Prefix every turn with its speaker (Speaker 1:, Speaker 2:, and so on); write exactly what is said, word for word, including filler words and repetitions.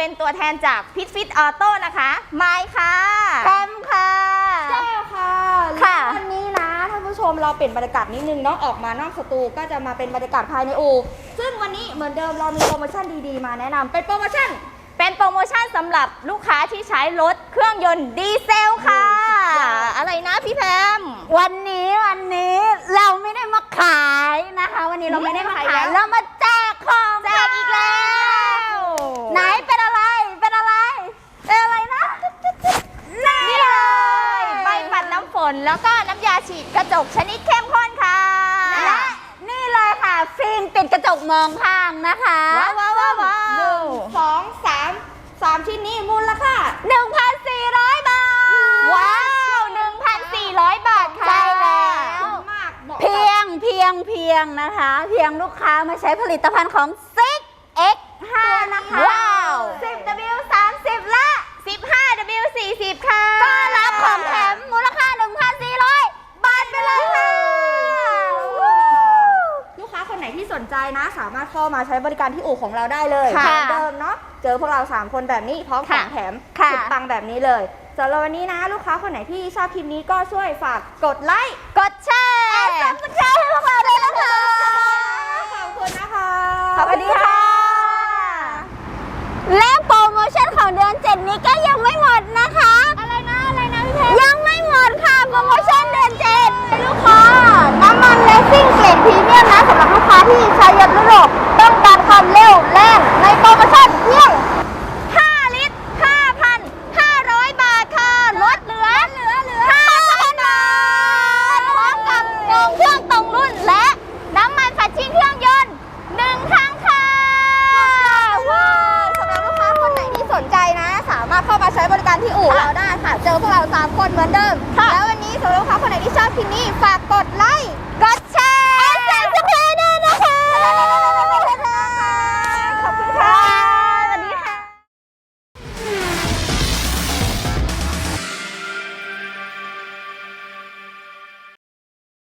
Speaker 1: เป็นตัวแทนจากพิทฟิตออโต้นะคะไมค์ค่ะแคมค่ะ
Speaker 2: เจ้าค่ะ
Speaker 1: ค่ะ
Speaker 2: วันนี้นะท่านผู้ชมเราเปลี่ยนบรรยากาศนิดนึงเนาะออกมานอกสตูก็จะมาเป็นบรรยากาศภายในอู่ซึ่งวันนี้เหมือนเดิมเรามีโปรโมชั่นดีๆมาแนะนำเป็นโปรโมชั่น
Speaker 1: เป็นโปรโมชั่นสำหรับลูกค้าที่ใช้รถเครื่องยนต์ดีเซลค่ะ อะไรนะพี่แพม
Speaker 3: วันนี้วันนี้เราไม่ได้มาขายนะคะ วันนี้เราไม่ได้มา
Speaker 1: ไม่ได้
Speaker 3: ขาย
Speaker 1: มาขายแล้ว
Speaker 3: เรามาแจกของ
Speaker 1: แจกอีกแล้ว
Speaker 3: ไหนเป็นอะไรเป็นอะไรเป็นอะไรนะ
Speaker 1: นี่เลยใบปัดน้ำฝนแล้วก็น้ำยาฉีดกระจกชนิดเข้มข้นค่ะ
Speaker 3: และนี่เลยค่ะฟิล์มติดกระจกมองข้างนะคะ
Speaker 1: ว้าวว้าวว้าวว้า
Speaker 2: หนึ่
Speaker 1: ว
Speaker 2: งสองสามสามชิ้นนี้มูลค่า
Speaker 3: หนึ่งพันสี่ร้อยบาท
Speaker 1: ว้าว หนึ่งพันสี่ร้อย บาทค่ะ
Speaker 3: ใช่แล้ว
Speaker 2: มากเหมาะ
Speaker 3: เพียงเพียงเพียงนะคะ เพียงลูกค้ามาใช้ผลิตภัณฑ์ของ ซิก เอ็กซ์ ห้า นะคะ
Speaker 1: ว้าว
Speaker 3: สิบ ดับเบิลยู สามสิบ และ
Speaker 1: สิบห้า ดับเบิลยู สี่สิบ ค่ะ
Speaker 3: ก็รับของแถมมูลค่า หนึ่งพันสี่ร้อย บาทไปเลยค่ะ
Speaker 2: ลูกค้าคนไหนที่สนใจนะ สามารถเข้ามาใช้บริการที่อู่ของเราได้เลย
Speaker 1: ค่ะ
Speaker 2: เหมือนเดิมเนาะเจอพวกเราสามคนแบบนี้พร้อมของ
Speaker 1: ค่ะ
Speaker 2: แถม
Speaker 3: ค่ะ
Speaker 2: สุดปังแบบนี้เลยสำหรับวันนี้นะ ลูกค้าคนไหนที่ชอบคลิปนี้ก็ช่วยฝากกดไลค์
Speaker 1: กดแชร์
Speaker 3: ซับสไครต์ให้พวกเราด้วยนะคะ
Speaker 2: ขอบคุณนะคะ
Speaker 3: สวัสดีค่ะ และโปรโมชั่นของเดือนเจ็ดนี้ก็ยังไม่หมดนะคะ
Speaker 2: อะไรนะอะไรนะพี่เพชร
Speaker 3: ยังไม่หมดค่ะโปรโมชั่นเดือนเจ็ดลูกค้าน้ำมันเลสซิ่งเกรดพรีเมียมนะสำหรับลูกค้าที่ใช้ยนต์ยุโรปต้องการความเร็วแรงในโปรโมชั่นเพียง
Speaker 1: ห้า ลิตร ห้าพันห้าร้อย บาทค่ะ ลดเหลือ
Speaker 3: เหลือเหลือ
Speaker 1: ห้าพัน บาท พร้อมกับโรงเครื่องตรงรุ่นและน้ำมันฝัดชิ่งเครื่องยนต์หนึ่งครั้งค่ะ
Speaker 2: ว้าวสำหรับลูกค้าคนไหนที่สนใจนะ สามารถเข้ามาใช้บริการที่อู่เราได้ค่ะ เจอพวกเราสามคนเหมือนเดิม
Speaker 1: ค่ะ
Speaker 2: แล้ววันนี้สำหรับลูกค้าคนไหนที่ชอบคลิปนี้ฝากกดไลค์
Speaker 1: กดแชร์
Speaker 3: ซับสไครต์ด้วยนะคะ